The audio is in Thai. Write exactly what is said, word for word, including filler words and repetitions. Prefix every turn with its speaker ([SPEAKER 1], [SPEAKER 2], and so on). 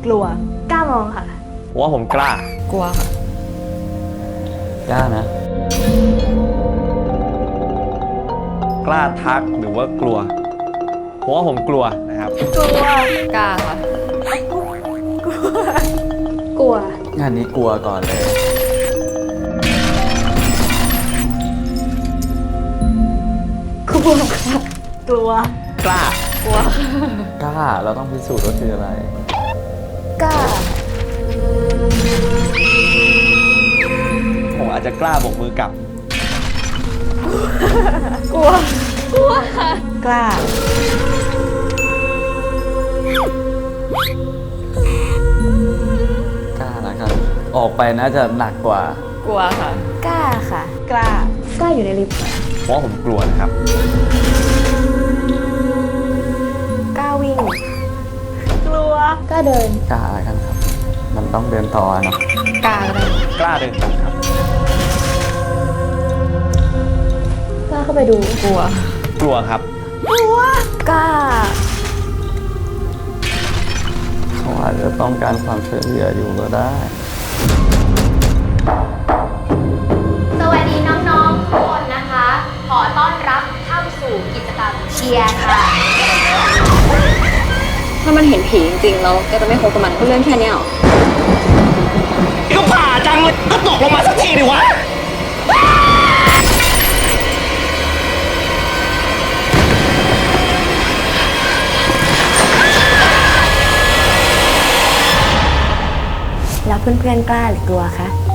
[SPEAKER 1] กลัว
[SPEAKER 2] กล้ามองค่ะ
[SPEAKER 3] ผมว่าผมกล้า
[SPEAKER 4] กลัวค่ะ
[SPEAKER 5] กล้านะ
[SPEAKER 3] กล้าทักหรือว่ากลัวผมว่าผมกลัวนะครับ
[SPEAKER 2] กลัว
[SPEAKER 4] กล้าค่ะ
[SPEAKER 2] กลัว
[SPEAKER 5] งานนี้กลัวก่อนเลย
[SPEAKER 2] กลัวค่ะ
[SPEAKER 1] กลัว
[SPEAKER 3] กล้า
[SPEAKER 4] กลัว
[SPEAKER 5] กล้า เราต้องพิสูจน์ว่าคืออะไร
[SPEAKER 2] กล้า
[SPEAKER 3] ผมอาจจะกล้าโบกมือกลับ
[SPEAKER 2] กลัว กลัวค่ะ
[SPEAKER 1] กล้า
[SPEAKER 5] กล้าแล้วกันออกไปน่าจะหนักกว่า
[SPEAKER 4] กลัวค่ะ
[SPEAKER 2] กล้าค่ะ
[SPEAKER 1] กล้า
[SPEAKER 2] กล้าอยู่ในลิฟต์
[SPEAKER 3] เพราะว่าผมกลัวนะครับ
[SPEAKER 2] กล้าวิ่ง
[SPEAKER 1] กลัว
[SPEAKER 2] กล้าเดิน
[SPEAKER 5] กล้าแล้วกันครับ มันต้องเดินต่อเนาะ
[SPEAKER 4] กล้าก็ได้
[SPEAKER 3] กล้าเดินกลับครับ
[SPEAKER 2] กล้าเข้าไปดู
[SPEAKER 4] กลัว
[SPEAKER 3] กลัวครับ
[SPEAKER 2] กล้า
[SPEAKER 5] เขาอาจจะต้องการความช่วยเหลืออยู่ก็ได้
[SPEAKER 6] สวัสดีน้องๆทุกคนนะคะ ขอต้อนรับเข้าสู่กิจกรรมเชียร์ค่ะ
[SPEAKER 4] ถ้ามันเห็นผีจริงๆแล้วแกจะไม่คบกับมันก็เรื่องแค่เนี้ยหรอ
[SPEAKER 7] ก็ผ่าจังเลยก็ตกลงมาสักทีดิวะ
[SPEAKER 2] แล้วเพื่อนๆกล้าหรือกลัวคะ